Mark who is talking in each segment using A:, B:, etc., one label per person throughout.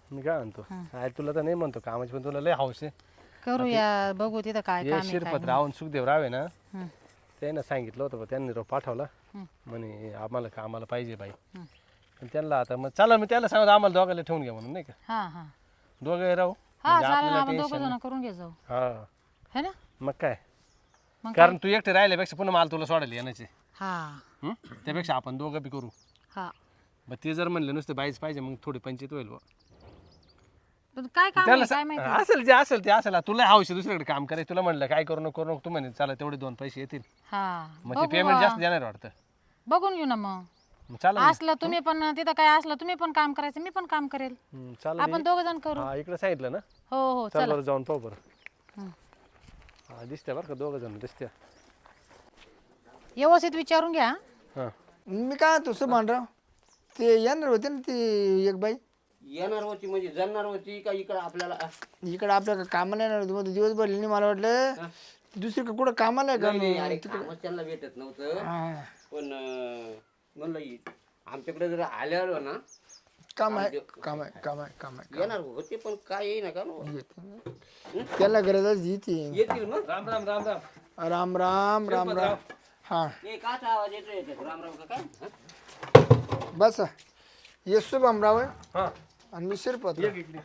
A: मी काय म्हणतो काय तुला तर नाही म्हणतो कामाची पण तुला लय हौस आहे.
B: करूया बघू तिथं काय
A: हे
B: काम आहे काय
A: शिरपत राहून सुखदेव रावे ना
B: हं,
A: त्यानं सांगितलं होतं त्यांनी रोप पाठवला
B: हं.
A: म्हणे आम्हाला कामाला पाहिजे बाई. पण त्यांना आता मग चला मी त्याला सांगतो आम्हाला दोघांना ठेवून घ्या म्हणून नाही का
B: हा हा
A: दोघे राहू
B: हा
A: म्हणजे
B: चालेल
A: आपल्याला
B: आपण दोघं
A: टेन्शन
B: जण करून घे जाऊ
A: हा
B: है ना
A: मग काय
B: मग
A: कारण तू एकटे राहिल्यापेक्षा पुन्हा मला तुला सोडायला येण्याचे
B: हा
A: त्यापेक्षा आपण दोघं बी करू.
B: हा
A: मग ते जर म्हणलं नुसतं बाईच पाहिजे मग थोडी पंचायत होईल बुवा.
B: पण काय काम
A: त्याला
B: आहे काय माहिती
A: असेल जे असेल ते असेल तुला हौशी दुसरीकडे काम करायचं तुला म्हणलं काय करू नको तू म्हणे चला तेवढे 2 पैसे येतील
B: हा
A: मग ते
B: बघू
A: पेमेंट जास्त देणार वाटतं.
B: बघून घेऊ ना मग
A: मग चला
B: असलं तुम्ही पण तिथं काय असलं तुम्ही पण काम करायचं मी पण काम करेल
A: चला
B: आपण दोघ जण करू
A: हा इकडे सांगितलं ना
B: हो हो
A: चल
B: चला
A: बरं जाऊन पाहू बरं.
B: हं.
A: हा दिसते बरं का दोघं जण दिसते.
B: व्यवस्थित विचारून घ्या
A: हां
C: मी काय तू सुभानराव ते येणार होते ना ती एक बाई
D: येणार होती म्हणजे जमणार होती का इकडं आपल्याला
C: इकडे आपल्या कामाला येणार होती मग दिवसभर नाही मला वाटलं दुसरीकडे कुठं कामाला आहे का
D: नाही, अरे कामच त्यांना भेटत नव्हतं
C: हा.
D: पण म्हणलं आमच्याकडे जर आल्यावर ना
C: काम आहे काम आहे काम आहे काम आहे
D: येणार होते पण काय येईना का नो?
C: त्याला गरजच येते
D: येतील मग
A: राम राम राम राम
C: राम राम राम राम हा
D: हे काचा आवाज येतोय राम राम का काय
C: बस ये शुभमराव आहे
A: हां
C: आणि मी शिरपत
A: इकडे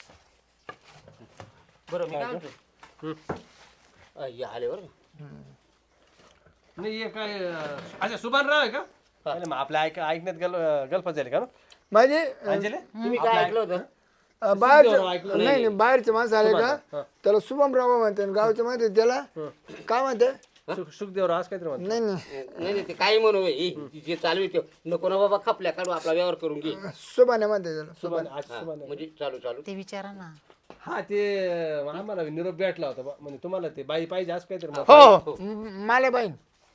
D: बरं मी काय म्हणतो हे आले बरं
A: नाही हे काय अच्छा सुभानराव आहे का अरे मग आपल्या ऐकण्यात गल्फत झाले का ना
C: माझे
A: अंजली
D: तुम्ही काय ऐकलं होतं
C: बाहेरचे नाही बाहेरचे माणसं आले का त्याला शुभमराव म्हणते आणि गावचे म्हणते त्याला काय म्हणते
A: सुखदेवराव आज काहीतरी म्हणतो
C: नाही नाही
D: नाही नाही ते काही म्हणू जे चालू आहे ते नको ना बाबा खपल्या काढू आपला व्यवहार करून घे
C: सुभाने म्हणते त्याला
A: सुभान आज सुभान
D: म्हणजे चालू
B: ते विचारा ना
A: हा ते आम्हाला निरोप भेटला होता म्हणजे तुम्हाला ते बाई पाहिजे आज काहीतरी मग.
C: हो माले बाई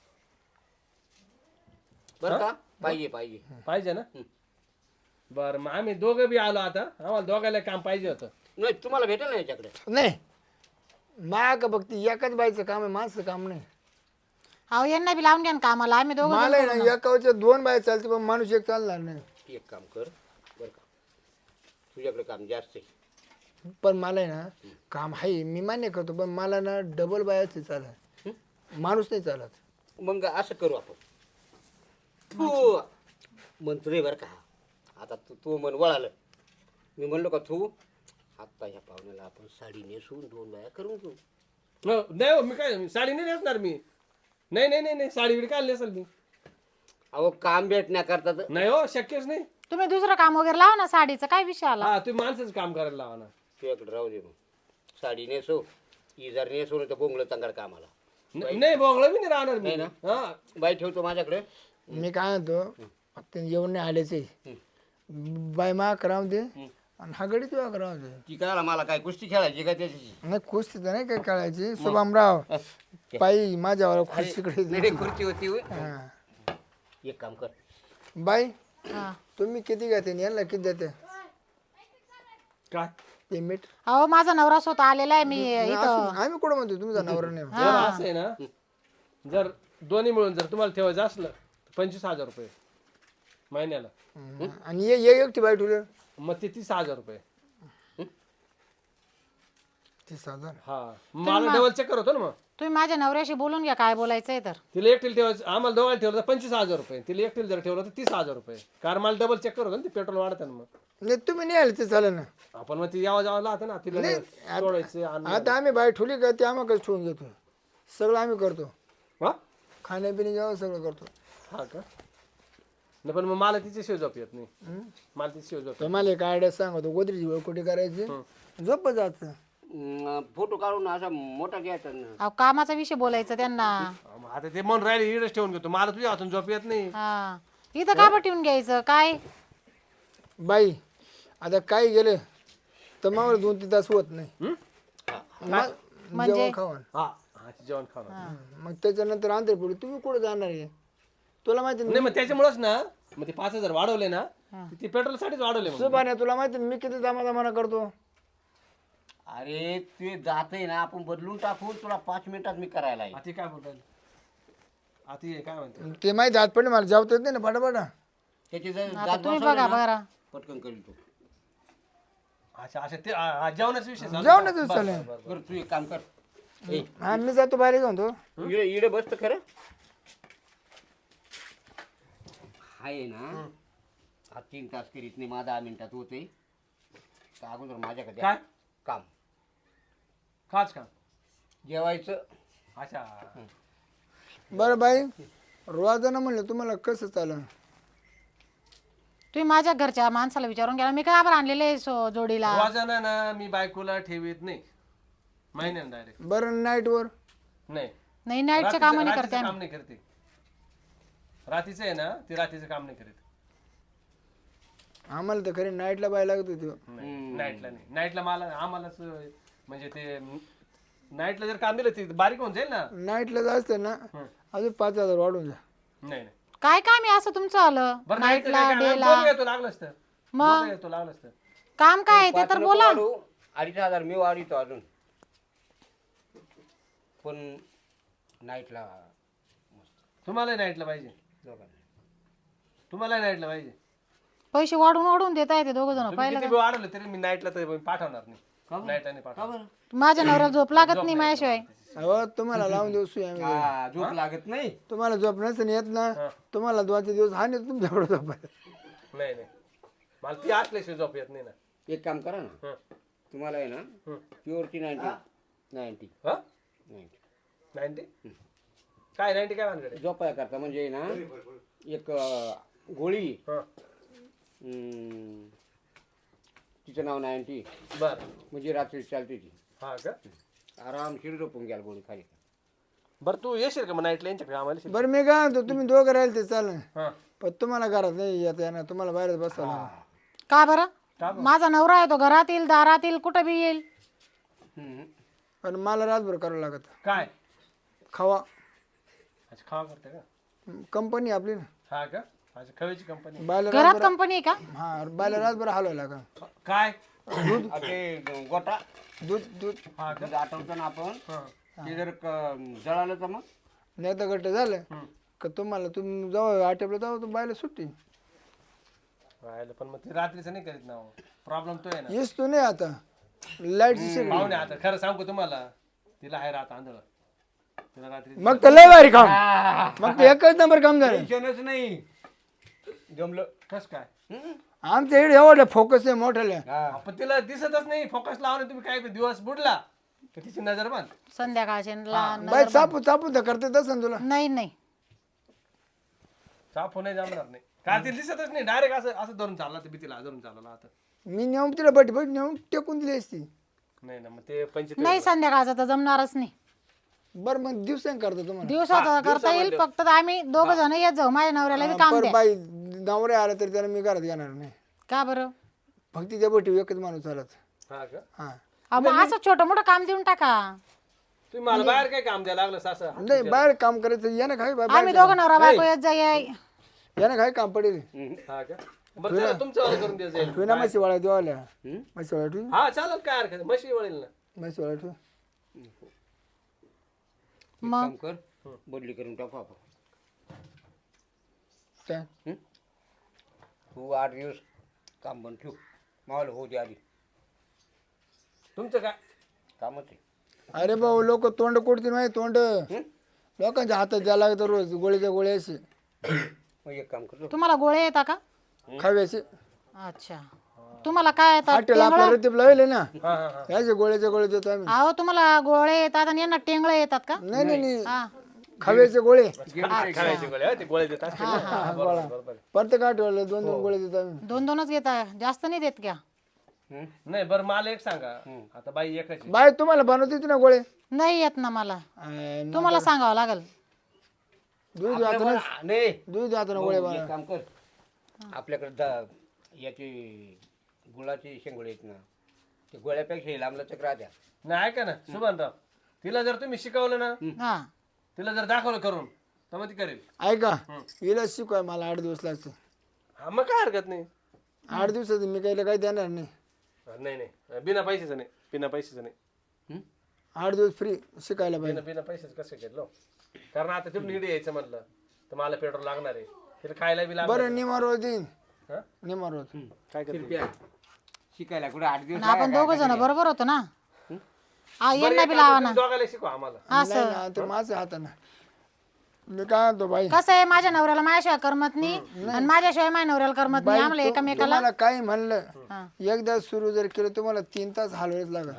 D: बरं का पाहिजे
A: पाहिजे ना बरं मग आम्ही दोघं बी आलो आता आम्हाला दोघायला काम पाहिजे होतं.
D: नाही तुम्हाला भेटेल ना याच्याकडे
C: नाही माग फक्त एकाच बाईचं काम आहे माझं काम नाही
B: अहो यांना बी लावून घ्या ना कामाला आम्ही दोघं
C: मला आहे ना एकाच्या 2 बाई चालते पण माणूस एक चालणार नाही
D: एक काम कर बरं का तुझ्याकडे काम जास्त आहे
C: पण मला आहे ना काम आहे मी मान्य करतो पण मला ना डबल बायाच चालत माणूस नाही चालत
D: मग असं करू आपण तू मंत्री बरं का आता तू मन वळालं मी म्हणलो का तू आत्ता ह्या पाहुण्याला आपण साडी नेसून 2 बाया करून घेऊ
A: नाही हो, मी काय साडी नाही नेसणार मी नाही नाही नाही नाही साडी बिडी काय नेसल मी
D: अहो काम भेटण्याकरता तर
A: नाही हो शक्यच नाही.
B: तुम्ही दुसरं काम वगैरे लावा ना साडीचं काय विषय आला
A: हा तुम्ही माणसाचं काम करायला लावा ना.
D: तुझ्याकडे राहू दे मग साडी नेसो ही जर नेसो तर बोंगलं चांगलं कामाला
A: नाही बोंगळं बी नाही राहणार मी
D: नाही
A: हा
D: बाई ठेवतो माझ्याकडे
C: मी काय म्हणतो ते येऊन नाही आलेच बाई मा करावं दे आणि हा गडी तुला करावं दे
D: ती कळाला मला काय कुस्ती खेळायची का त्याची
C: नाही खुश तर नाही काय कळायची शुभमराव बाई माझ्यावर खुशीकडे
D: नाही खुर्ची होती होय.
C: हा.
D: एक काम कर
C: बाई
B: हा.
C: तुम्ही किती घेते यांना किती देते
A: काय
C: पेमेंट
B: अहो माझा नवरा स्वतः आलेला आहे मी इथं
C: आम्ही कुठं म्हणतो तुमचा नवरा नाही
A: जर असं आहे ना जर दोन्ही मिळून जर तुम्हाला ठेवायचं असलं तर 25,000 रुपये महिन्याला
C: आणि ये एकटी बाई ठेवलं
A: मग ते 30,000 रुपये
C: 30,000
A: हा मला डबल चेक होतो ना मग
B: तुम्ही माझ्या नवऱ्याशी बोलून घ्या काय बोलायचंय तर
A: तिला एकटीला ठेवायचं आम्हाला दोघांना ठेवलं तर 25,000 रुपये तिला एकटीला जर ठेवलं तर 30,000 रुपये कारण मला डबल चेक होतं ना ते पेट्रोल वाढतं ना मग
C: नाही तुम्ही नाही आले ते चालेल ना
A: आपण मग ती यावं जावं लागतं ना तिला सोडायचं
C: आता आम्ही बाई ठेवली का ते आम्हाला ठेवून घेतो सगळं आम्ही करतो
A: हा
C: खाण्यापिणे जेव्हा सगळं करतो
A: हा का नाही पण मग मला तिची शिव झोप येत नाही मला तिची शिव झोप
C: तर मला एक आयडिया सांगतो गोदरीची कुठे करायची झोप जायचं
D: फोटो काढून असा मोठा घ्यायचा ना
B: अहो कामाचा विषय बोलायचा त्यांना
A: आता ते म्हणून राहिले इकडेच ठेवून घेतो मला तुझ्या हातून झोप येत नाही.
B: हा इथं का ठेवून घ्यायचं काय
C: बाई आता काही गेले तर मग 2-3 तास होत नाही
B: म्हणजे?
C: जेवण खावण
A: हा हा जेवण खाणं
C: मग त्याच्यानंतर आंध्र पुढे तुम्ही कुठे जाणार आहे तुला माहिती
A: नाही मग त्याच्यामुळेच ना मग ते 5,000 वाढवले ना ते पेट्रोल साठीच वाढवले मग.
C: सुभाने तुला माहिती मी किती दमादमाना करतो
D: अरे ते जाते ना आपण बदलून टाकून तुला 5 मिनिटात मी करायला येईल.
A: आता काय बोलताय आता हे काय म्हणते
C: ते माहिती हात पडले मला जावत येत नाही ना फटाफटा
D: त्याची जर
B: आता
D: दात
B: तुम्ही
D: बसवले
B: बघा
D: ना,
B: बघा
D: पटकन करील तू
A: अच्छा अच्छा ते जेवणाचा विषय चालू.
C: जेवणाचं
A: बरं,
C: चालू.
A: बरं, बरं, बरं.
D: बरं तू एक काम कर ए,
C: हा मी जातो बाहेर घेऊन तो
D: इकडे इकडे बसतं खरं आहे ना हा 3 तास करीत नाही माझा 10 मिनिटात होते तर अगोदर माझ्याकडे
A: काय
D: काम
A: काच का
D: जेवायचं
A: अच्छा
C: बरं बाई रोजानं म्हणलं तुम्हाला कसं चालेल
B: तुम्ही माझ्या घरच्या माणसाला विचारून गेला मी काय आभार आणलेले जोडीला
A: रोजानं ना मी बायकोला ठेवीत नाही महिन्यानं डायरेक्ट
C: बरं नाईटवर
A: नाही
B: नाही नाईटचे काम नाही करते
A: रात्रीचं
B: आम्ही
A: काम नाही करते रात्रीचं आहे ना ती रात्रीचं काम नाही करत
C: आम्हाला तर खरी नाईटला बाय लागत होती
A: नाईटला नाही नाईटला मला आम्हालाच म्हणजे ते नाईटला जर काम दिलं ते बारीक होऊन जाईल ना
C: नाईटला जायचं ना अजून 5,000 वाढून जा
A: नाही नाही
B: काय काम आहे असं तुमचं आलं
A: बरं नाईटचं
B: नाईटला
A: काय काम?
B: डेला
A: दोघं येतो लागलंच तर
B: मग?
A: दोघं येतो लागलंच तर
B: काम काय आहे ते
D: 5
B: तर
D: नको
B: बोला
D: वाढू, 2,500 मी वाढीतो अजून पण नाईटला
A: तुम्हाला नाईटला पाहिजे
D: दोघांना
A: तुम्हाला नाईटला पाहिजे
B: पैसे वाढून वाढून देता येते दोघ जण
A: तुम्ही किती बी वाढवलं तरी मी नाईटला तर पाठवणार नाही नाईटला नाही
D: का
A: पाठवणार
D: बरं
B: माझ्या नवऱ्याला झोप लागत नाही माझ्याशिवाय
C: अहो तुम्हाला लावून देऊ सुई आम्ही
D: हा, झोप लागत नाही
C: तुम्हाला झोप नसेल येत ना तुम्हाला 2 दिवस हा नाही तुमच्याकडे झोप आहे.
A: नाही नाही मला ती असल्याशिवाय झोप येत नाही ना
D: एक काम करा ना
A: हं.
D: तुम्हाला आहे ना प्युअरची 90
A: हा
D: 90
A: 90 काय 90 काय भानगड आहे?
D: झोपाया करता म्हणजे ना एक गोळी
A: हं.
D: तिचं नाव 90
A: बरं
D: म्हणजे रात्री चालते ती
A: हा का
D: आरामशीर झोपून घ्याल गोळी खाली
A: बरं तू येशील का मग नाईटला यांच्याकडे आम्हाला
C: बरं मी काय म्हणतो तुम्ही दोघं राहिले ते चालेल
A: हा
C: पण तुम्हाला घरात नाही येत येणार तुम्हाला बाहेर बसावं लागेल.
B: का बरं माझा नवरा आहे तो घरात येईल दारात येईल कुठं बी येईल
C: पण मला रातभर करावं लागत
A: काय
C: खावा
A: अच्छा खावा करते का
C: कंपनी आपली ना
A: हा का अच्छा खवेची कंपनी
C: बायला
B: घरात कंपनी आहे का
C: हा बायला रातभर हलवायला लागेल
A: काय
D: ते गोटा
C: दूध दूध
A: हा का
D: दूध आठवतो ना आपण
A: हा
D: ते जर जळालं तर मग
C: नाही तर गट्ट झालं का तुम्हाला तुम्ही जाऊ आटेपला जाऊ तर बायला सुट्टी
A: राहिलं पण मग ते रात्रीचं नाही करीत ना प्रॉब्लेम तो आहे ना
C: येस तू नाही आता लाईटची शेगडी
A: पाहुणे आता खरं सांगू तुम्हाला तिला आहे रात आंधळ तिला रात्री
C: मग तर लय भारी काम मग ते एकच नंबर काम झालं
D: टेन्शनच नाही जमलं
A: कस काय
C: आमच्या इकडे एवढं फोकस आहे मोठ्याला
A: आपण तिला दिसतच नाही फोकस लावून तुम्ही काय दिवस बुडला तर तिची नजर बंद
B: संध्याकाळचे
C: बाय चापू चापू तर करते तसं तुला
B: नाही नाही
A: साफ नाही जमणार नाही का तिला दिसतच नाही डायरेक्ट असं असं धरून चालला तर भीतीला धरून चालला आता
C: मी नेऊन तिला बट बट नेऊन टेकून दिली असती
A: नाही ना मग ते 25
B: नाही संध्याकाळचं तर जमणारच नाही
C: बरं मग दिवसांनी करतो तुम्हाला
B: दिवसाचं करता येईल फक्त आम्ही दोघ जण येत जाऊ माझ्या नवऱ्याला बी काम
C: पर
B: द्या
C: बाई नवरे आला तरी त्याला मी घरात घेणार नाही
B: का बरं
C: फक्त त्या बटी एकच माणूस चालत
A: हा का
C: हा
B: अहो, मग असं छोटं मोठं काम देऊन टाका
A: तुम्ही मला बाहेर काय काम द्यायला लागलं सासं
C: नाही बाहेर काम करायचं यानं काय
B: आम्ही दोघं नवरा बायको येत जाई
C: यानं काय काम पडेल
A: हा का बरं चला तुमचं वालं करून द्या जाईल
C: ठेव ना म्हशी वाळा देवाल्या म्हशी वाळा ठेव
A: हा चालेल काय हरकत नाही. म्हशी वळेल ना
C: म्हशी वाळा ठेव
D: काम कर बदली करून टाकू आपण
C: काय
D: तू 8 दिवस काम बंद ठेव मावलं होऊ दे आधी
A: तुमचं काय
D: कामच आहे
C: अरे भाऊ लोक तोंड कुठतील माहिती तोंड लोकांच्या हातात द्यायला लागतं रोज गोळीच्या गोळ्या असे
D: मग एक काम करतो
B: तुम्हाला गोळे येतात का
C: खाव्याचे
B: अच्छा तुम्हाला काय येतात
C: हॉटेल आपल्या रतीप लावले ना
A: हा हा हा
C: याचे गोळ्याचे गोळे देतो आम्ही
B: अहो तुम्हाला गोळे येतात आणि यांना टेंगळे येतात का
C: नाही नाही नाही
B: हा
C: खाव्याचे गोळे
A: खायचे गोळे हा, ते गोळे देत असतील ना. हा, बरोबर, बरोबर.
C: प्रत्येक आठवड्याला 2-2 गोळे देतो आम्ही
B: दोन दोनच घेता जास्त नाही देत का
A: नाही बरं मला एक सांगा आता बाई एकच आहे.
C: बाय तुम्हाला बनवते ना गोळे
B: नाही येत ना मला
C: अं,
B: तुम्हाला सांगावं लागल
C: दूध वाचून
D: नाही
C: दूध वाचून गोळे
D: मग एक काम कर आपल्याकडे याची गुळाची शेंगोळे आहेत ना ते गोळ्यापेक्षा लांबला चक्र राहत्या
A: नाही ऐका ना सुभानराव तिला जर तुम्ही शिकवलं ना
B: हा
A: तिला जर दाखवलं करून तर मग ती करेल
C: ऐका हिला शिकवाय मला 8 दिवस लागते
A: हा मग काय हरकत नाही
C: 8 दिवसात मी काही देणार नाही
A: नाही नाही बिना पैशाचं नाही बिना पैशाचं नाही
C: 8 दिवस फ्री शिकायला पाहिजे
A: बिना पैशाचं कसं केलं कारण आता तिथून इकडे यायचं म्हटलं तर मला पेट्रोल लागणार आहे तिला खायला बी लागणार
C: बरं निमा रोज देईन
A: हा?
C: निमा रोज
A: काय करते
D: शिकायला कुठे 8 दिवस
B: आणि आपण दोघ जण बरोबर होतो ना
A: बरं,
B: यांना
A: एक
B: बी
A: काम
B: लावा
A: करा,
B: ना
A: तुम्ही दोघाला शिकवा आम्हाला
C: नाही ना ते माझ्या हातानं मी काय म्हणतो बाई
B: कसं आहे माझ्या नवऱ्याला माझ्याशिवाय करमत नाही आणि माझ्याशिवाय माझ्या नवऱ्याला करमत नाही आम्हाला एकमेकाला
C: तुम्हाला काही म्हणलं
B: हा.
C: एकदा सुरू जर केलं तुम्हाला 3 तास हलवायच लागत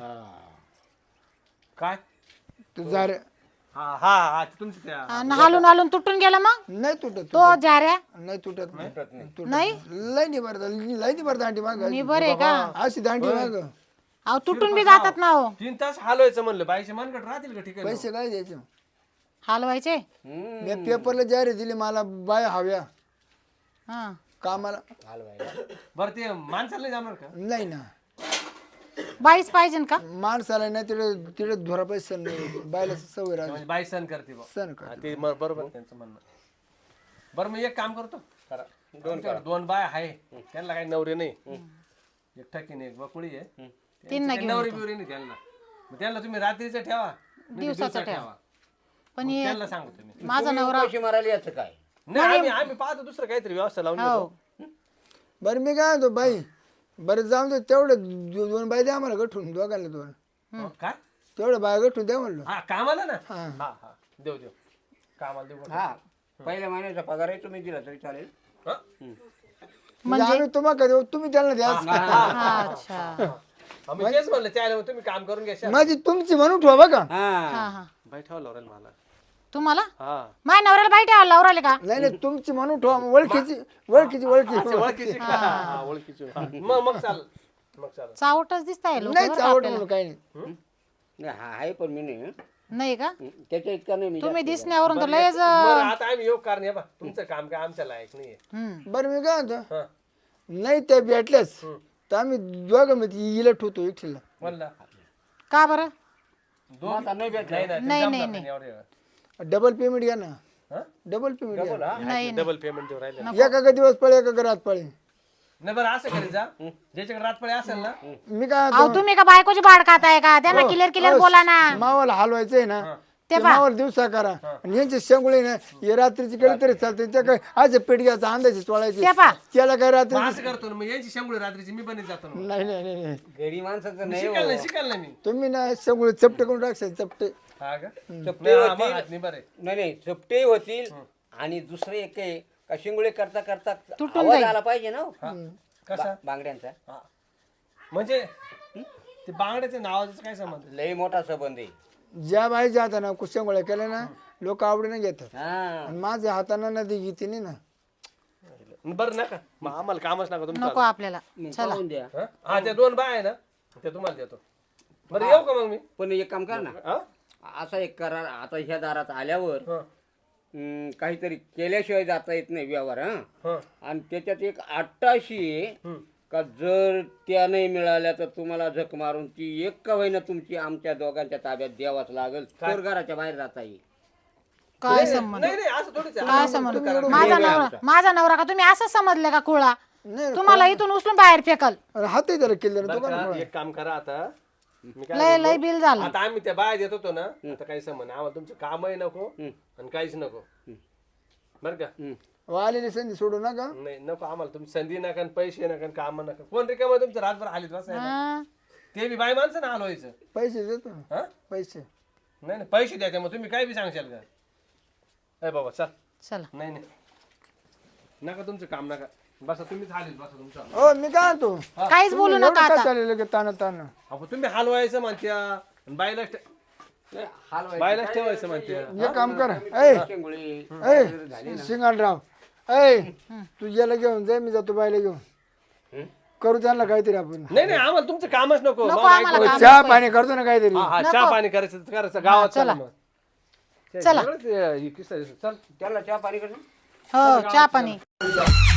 A: काय
C: तू जर
A: हा हा हा तुमचं त्या
B: आणि हालून हालून तुटून गेला मग
C: नाही तुटत
B: तो जाऱ्या
C: नाही तुटत नाही
B: नाही
C: लय नाही भर दांडी माग
B: मी बरे का
C: अशी दांडी माग
B: अहो तुटून बी जातात ना हो
A: 3 तास हलवायचं म्हणलं बाईचे मनगट राहतील का ठिकाणी
C: पैसे काय द्यायचे
B: हलवायचे
C: मी पेपरला जाहिरात दिली मला बाय हव्या
B: हा
C: कामाला
A: बरं ते माणसाला नाही जाणार का
C: नाही ना
B: बाईच पाहिजे का
C: माणसाला नाही तिथे तिथे धोरा पैसे नाही बायला सवय राहते
A: म्हणजे बाई सण करते बा
C: सण कर
A: हा, ते बरोबर त्यांचं म्हणणं बरं मी एक काम करतो करा 2 बाय आहे त्यांना काही नवरे नाही एक ठकीने एक बकुळी आहे
B: तीन
A: त्यांची काही नवरी बिवरी नाही त्यांना मग त्यांना तुम्ही रात्रीचं ठेवा नाही तर
B: दिवसाचं
A: ठेवा
B: पण
A: मग
B: हे
A: त्यांना सांगतो मी
B: माझा नवरा
D: पैसे मारायला याचं काय
A: नाही आम्ही पाहतो दुसरं काहीतरी व्यवस्था लावून
B: हो
A: देतो
C: बरं मी काय म्हणतो बाई बरं जाऊन दे तेवढं 2 बाय द्या आम्हाला गठून दोघांना 2
A: काय
C: तेवढं बाय गठून द्या म्हणलं
A: हा कामाला ना
C: हा.
A: हा हा देऊ कामाला देऊ
D: हा पहिल्या महिन्याचा पगारही तुम्ही दिला तरी चालेल
A: हा?
C: म्हणजे आम्ही तुम्हाला देऊ तुम्ही त्यांना द्या
B: अच्छा
A: आम्ही तेच म्हणलं त्याला मग तुम्ही काम करून घ्या
C: माझी तुमची म्हणून ठेवा बघा
D: हा
B: हा हा
A: बाई ठेवा लावरेल मला
B: तुम्हाला
A: हा
B: माझ्या नवऱ्याला बाई ठेवायला लावराले का
C: नाही नाही तुमची म्हणून ठेवा ओळखीची
A: ओळखीची का? हा, ओळखीची हा. मग चाल
B: चावटच दिसताय लोक
C: नाही चावट म्हणून काही नाही
D: नाही, हा आहे पण मी नाही
B: नाही का
D: त्याच्या इतका नाही मी
B: तुम्ही दिसण्यावरून तर लयच
A: बरं आता आम्ही योग कारण आहे बा तुमचं काम काय आमच्या लायक नाहीये
C: बरं मी काय म्हणतो
A: हा
C: नाही त्या भेटल्यास तर आम्ही दोघं मी हिला ठेवतो एकटीला
A: म्हणला
B: का बरं
D: आता नाही भेटला
A: नाही
B: नाही,
A: नाही
B: नाही.
A: एवढं
C: डबल पेमेंट घ्या ना
A: हा?
C: डबल पेमेंट घ्या
B: नाही
A: डबल पेमेंट देऊ राहिले
C: एका दिवस पळे एका रात पळे
A: नाही बरं असं करीत जा ज्याच्याकडे रातपळे असेल ना
C: मी काय
B: अहो तुम्ही का बायकोची भाड खाताय का त्यांना क्लिअर बोला ना
C: मावाला हलवायचंय ना ते मावाला दिवसा करा आणि यांचे शेंगुळे ना हे रात्रीची केली तरी चालते त्या काय आज पेट घ्यायचा अंदाजे चोळायचे
B: ते पा
C: त्याला काय रात्री
A: मग असं करतो ना मग यांची शंभर रात्रीची मी बनत जातो ना
C: नाही नाही नाही नाही
D: गडी माणसाचं नाही
A: शिकाल नाही मी
C: तुम्ही ना शेंगुळे चपटे करून टाकशाल चपटे
A: हा का
D: चपटे
A: नाही,
D: होतील
A: हात नाही बरे
D: नाही चपटे होतील आणि दुसरे एक आहे का शिंगुळे करता करता
B: तुटून
D: आवाज
B: जाईल.
D: आला पाहिजे ना हो.
A: कसा
D: बांगड्यांचा
A: हा. म्हणजे ते बांगड्याच्या नावाचं काय संबंध
D: लय मोठा संबंध आहे
C: ज्या बाई जाता ना शेंगुळ्या केल्या ना लोक आवडीने घेतात
D: हा
C: आणि माझ्या हाताने ना ती घेते नाही ना
A: बरं नका मग आम्हाला कामच नका तुमचं
B: नको आपल्याला
D: मग
B: चला
D: पाहून द्या
A: हा? हा त्या 2 बाय आहे ना त्या तुम्हाला देतो बरं येऊ का मग मी
D: पण एक काम कर ना
A: हा?
D: असा एक करार आता ह्या दारात आल्यावर
A: हा.
D: काहीतरी केल्याशिवाय जाता येत नाही व्यवहार हा
A: हा.
D: आणि त्याच्यात एक अट्टाशी आहे
A: हम्म.
D: का जर त्या नाही मिळाल्या तर तुम्हाला झक मारून ती एक का होईना तुमची आमच्या दोघांच्या ताब्यात द्यावाच लागेल तर घराच्या बाहेर जाता येईल
B: काय संबंध
A: नाही नाही असं थोडीच आहे.
B: काय संबंध माझा नवरा का तुम्ही असं समजले का कुळा
C: नाही
B: तुम्हाला इथून उचलून बाहेर फेकल
C: अरे हातही त्याला केलं
A: बरं
C: दुकान
A: का, एक काम करा आता मी काय
B: लय लय बिल झालं
A: आता आम्ही त्या बाया देत होतो ना आता काही संबंध आम्हाला तुमचं कामही नको आणि काहीच नको बरं का
C: आलेली संधी सोडू नका
A: नाही नको आम्हाला तुमची संधी नका आणि पैसे नका आणि काम नका कोण रिकाम तुमचं रातभर हालीत बसायला
B: हा.
A: ते बी बाय माणसं ना हलवायचं
C: पैसे देतो ना
A: हा
C: पैसे
A: नाही नाही पैसे द्यायचे मग तुम्ही काय बी सांगशाल का अरे बाबा चल
B: चला
A: नाही नाही नका तुमचं काम नका बसा तुम्हीच हालीत बसा तुमचं
C: हो मी काय म्हणतो
B: काहीच बोलू नका आता
C: चाललेलं की ताना ताना
A: अहो तुम्ही हलवायचं म्हणत्या आणि बायलाच बायलाच ठेवायचं म्हणत्या
C: हे काम कर ऐ
D: शेंगुळे
C: ऐ सिंगालराव ऐ तू याला घेऊन जाय मी जातो बायला घेऊन करू त्यांना काहीतरी आपण
A: नाही नाही आम्हाला तुमचं कामच नको
B: नको
A: बाबा,
B: आम्हाला काम
C: चहा पाणी करतो ना काहीतरी
A: हा हा चहा पाणी करायचं तर करायचं गावात चला मग
B: चला.
A: सगळंच हे किस्सा आहे. चल
D: त्याला चहा पाणी कर
B: हो चहा पाणी